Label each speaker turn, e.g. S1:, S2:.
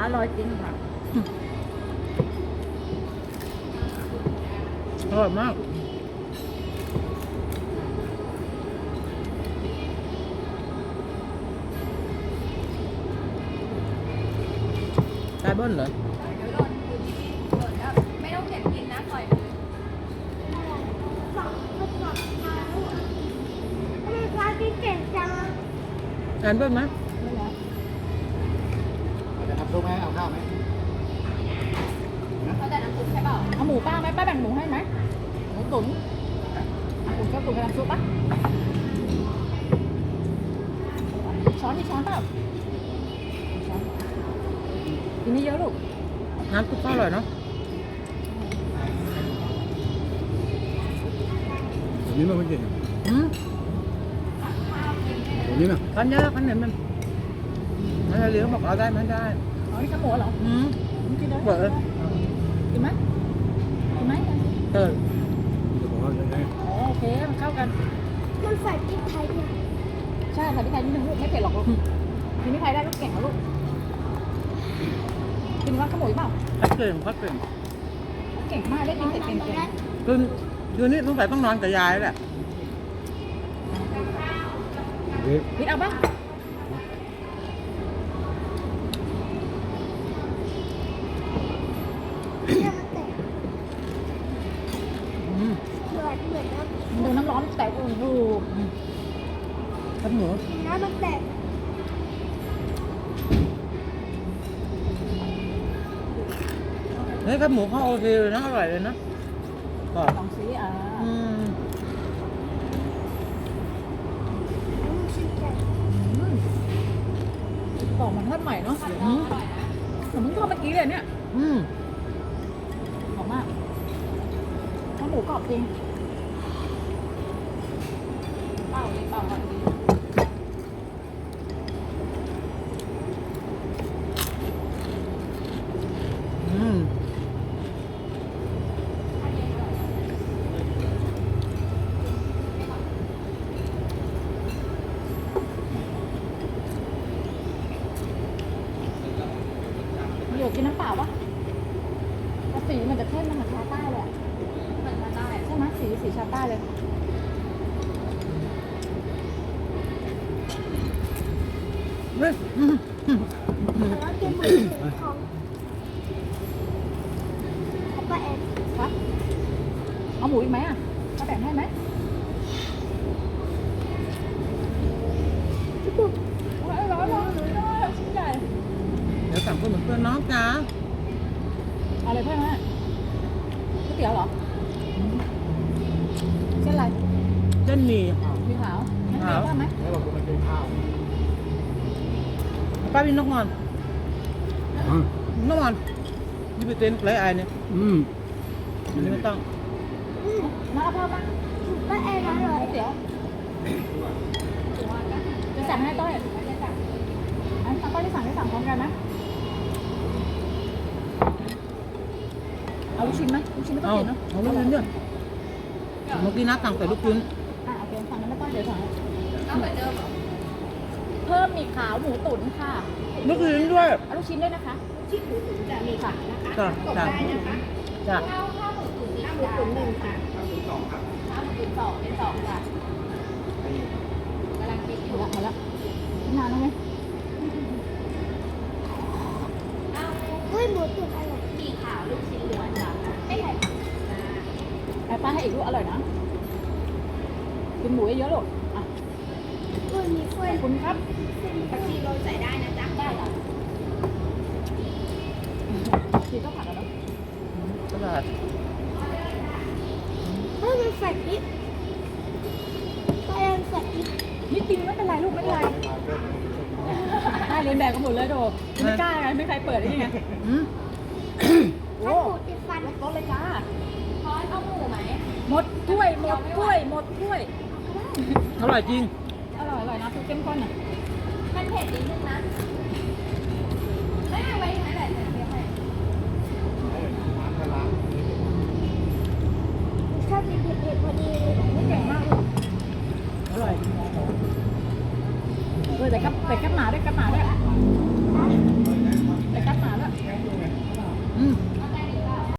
S1: ร่อยจริงค่ะ
S2: อร่อยมากได้เบิ้ลเหรอ
S1: ไม่ต้องเก็บกินนะปล่อย
S2: ทานเบิ้ลไหม
S3: จะทำซุปไหมเอาข้าวไหม
S1: เขาแต่น้ำซุปใช่เปล่าเอาหมูป้าไหมป้าแบ่งหมูให้ไหมหมูตุ๋นหมูชอบตุ๋นกับน้ำซุปปะช้อนที่ช้อนเปล่าช้อนกินไม่เยอะลูก
S2: น้ำซุปก็อร่อยเนาะ
S3: อันนี้มันไม่เก่ง
S2: อืม
S3: อันนี้นะ
S2: กันเยอะกันเนี่ยมันเลี้ยงบอกเอาได้ไหมได้
S1: อ๋อนี่ข้าวหมูเหรอ
S2: อืม
S1: กินเลย
S2: เปิด
S1: กินไหมกินไหม
S2: เออ
S3: จะบอกว่ายังไง
S1: อ๋อโอเคมันเข้ากัน
S4: มันใส่พริกไทยเนี่ย
S1: ใช่ใส่พริกไทยนิดนึงลูกไม่เผ็ดหรอกลูกกินพริกไทยได้ลูกเก่งเหรอลูกกินว่าข้าวหมูเปล่า
S2: พัดเก่งพัดเก่ง
S1: เก่งมากได้กินเสร็จเก่ง
S2: คืนนี้ต้องใส่ต้องนอนกับยายแหละ
S3: เฮ้ย
S1: ๆพิดเอาบ้าง
S4: เนี่ยมันแตก
S2: อืม
S4: เหมือนน้ำ
S1: ดูน้ำร้อนแต่อุ่นอยู่
S2: พัดหมู
S4: น้ำมันแตก
S2: เฮ้ยพัดหมูเขาโอเคเลยนะอร่อยเลยนะกรอบ
S1: ลองซิอ่า
S2: อืม
S1: กล่องมันทอดใหม่เนาะ
S2: อืม
S1: เหมือนมึงทอดเมื่อกี้เลยเนี่ย
S2: อืม
S1: หอมมากข้าวหมูกรอบจริงเปล่าเลยเปล่าก่อนดี
S2: อืม
S1: มันอยู่กินน้ำเปล่าปะแต่สีมันจะเข้มมันเหมือนชาใต้เลยอะเหมือนชาใต้ใช่ไหมสีชาใต้เลย
S2: เฮ้ยอืมอืม
S4: แล้วกินหมูของป้าแอน
S1: ครับเอาหมูอีกไหมอ่ะจะแบ่งให้ไหม ร้อนร้อนร้อนชิ้นใหญ่
S2: เดี๋ยวสั่งเพื่อนเหมือนเพื่อนน้องจ๋า
S1: เอาอะไรเพิ่มไหมก๋วยเตี๋ยวเหรอเส้นอะไร
S2: เส้นหมี่
S1: มีขาวไม่ขาวเพิ่มไหม
S3: แล้วเราก็มากินข้าว
S2: ป้าพี่นกงอน
S3: อ่ะ
S2: นกงอนนี่ไปเต้นไรไอเนี่ย
S3: อืม
S2: อันนี้ไม่ต้อง
S1: น้าเอาเพิ่มไหม
S4: ป้าแอนอร่อย
S1: ก๋วยเตี๋ยวจะสั่งให้ต้อยอันต้อยที่สั่งพร้อมกันไหมเอาลูกชิ้นไหมลูกชิ้นไม่ต้อ
S2: เอา
S1: งกินเนาะ
S2: เอาลูกชิ้นด้วยเมื่อกี้นัดสั่งแต่ลูกชิ้น
S1: โอเคสั่งกันไม่ต้องเดี๋ยวสั่งเอาเหมือนเดิมเหรอเพิ่มหมี่ขาวหมูตุ๋นค่ะ
S2: ลูกชิ้นด้วย
S1: เอาลูกชิ้นด้วยนะคะชิ้นหมูตุ๋นจะมีค่ะนะคะ
S2: จ้ะจ้ะจ้ะ
S1: ข้าวหมูตุ๋นนี่หมูตุ๋นหนึ่งค่ะข้าวหมูตุ๋นสองเป็นสองค่ะกำลังคิดอยู่ละหมดละนานแล้วไหม
S4: เฮ้ยหมูตุ๋นอร่อย
S1: มีขาวลูกชิ้นล้วนจ้ะไม่ใช่ไอ้ป้าให้อีกลูกอร่อยนะกินหมูเยอะๆลูกอ่ะ
S4: เฮ้ยมีเฟ้
S1: ข
S4: ย
S1: อบคุณครับ
S4: ผักชีโรยใส่ได้นะจ๊ะ
S1: ได้ค่ะชีต้องผัดแล้วเนาะ
S2: ตลาด
S4: เฮ้ยมันใส่พริกป้าแอนใส่พริก
S1: นิดกินไม่เป็นไรลูกไม่เป็นไรได้เรียนแบบกันหมดเลยโดไม่กล้าไงไม่ใครเปิดได้ยังไง
S2: อืม
S1: โอ้
S4: ถ้าหมูติดฟัน
S1: รถเลยจ้าพอยเอาหมูไหมหมดถ้วยหมดถ้วยหมดถ้วย
S2: อร่อยจริง
S1: อร่อยนะคือเข้มข้นอ่ะมันเผ็ดนิดนึงนะไม่เอาไว้ไหนแหละเดี๋ยวให้
S4: ชอบกินเผ็ดๆพอดีเลย
S1: ไม่เก่งมากลูก
S2: อร่อย
S1: แต่กับหมาด้วยกับหมาด้วย